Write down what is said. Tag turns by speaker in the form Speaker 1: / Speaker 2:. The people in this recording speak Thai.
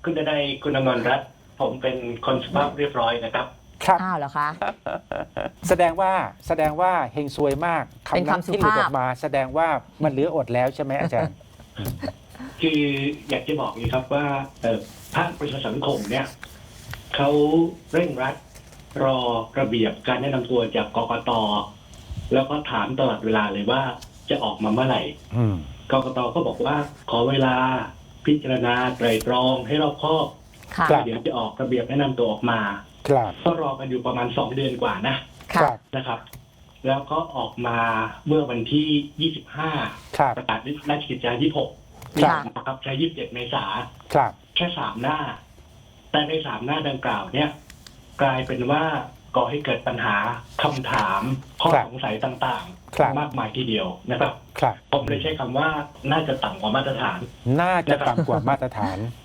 Speaker 1: คุณดนัยคุณอมรรัตน์ผมเป็นคนสุภาพเรียบร้อยนะครับ
Speaker 2: ครับ
Speaker 3: อ้าวเหรอคะ
Speaker 2: แสดงว่าเฮงซวยมาก
Speaker 3: เป็น
Speaker 2: นั้น
Speaker 3: คำสุ
Speaker 2: ที่หลุด
Speaker 3: ภาพ
Speaker 2: ออกมาแสดงว่ามันเหลืออดแล้วใช่ไหมอาจารย์
Speaker 1: คืออยากจะบอกนี้ครับว่าภาคประชาสังคมเนี่ยเขาเร่งรัดรอระเบียบการแนะนำตัวจากกกตแล้วก็ถามตลอดเวลาเลยว่าจะออกมาเมื่อไหร่
Speaker 2: อืม
Speaker 1: กกตก็บอกว่าขอเวลาพิจารณาไตรตรองให้รอบคอบ
Speaker 3: ค่ะ
Speaker 2: ครับ
Speaker 1: เดี๋ยวจะออกระเบียบแนะนำตัวออกมา
Speaker 2: ครับ
Speaker 1: ก็รอกันอยู่ประมาณ2 เดือนกว่านะ
Speaker 2: ครั
Speaker 3: ค่ะ
Speaker 2: บ
Speaker 1: นะครับ แล้วก็ออกมาเมื่อวันที่ 25
Speaker 2: ครับ
Speaker 1: ประกาศราชกิจจา26
Speaker 3: ครับ
Speaker 1: นะครับใช้27 เมษา
Speaker 2: ครับ
Speaker 1: แค่3 หน้า แต่ใน3 หน้าดังกล่าวเนี่ย กลายเป็นว่าก่อให้เกิดปัญหาคำถามข้อ
Speaker 2: ครับ
Speaker 1: สงสัยต่าง
Speaker 2: ครับ
Speaker 1: ๆ มากมายทีเดียวนะครับ
Speaker 2: ครับ
Speaker 1: ผมเลยใช้คำว่าน่าจะต่ำกว่ามาตรฐาน
Speaker 2: น่าจะต่ำกว่ามาตรฐาน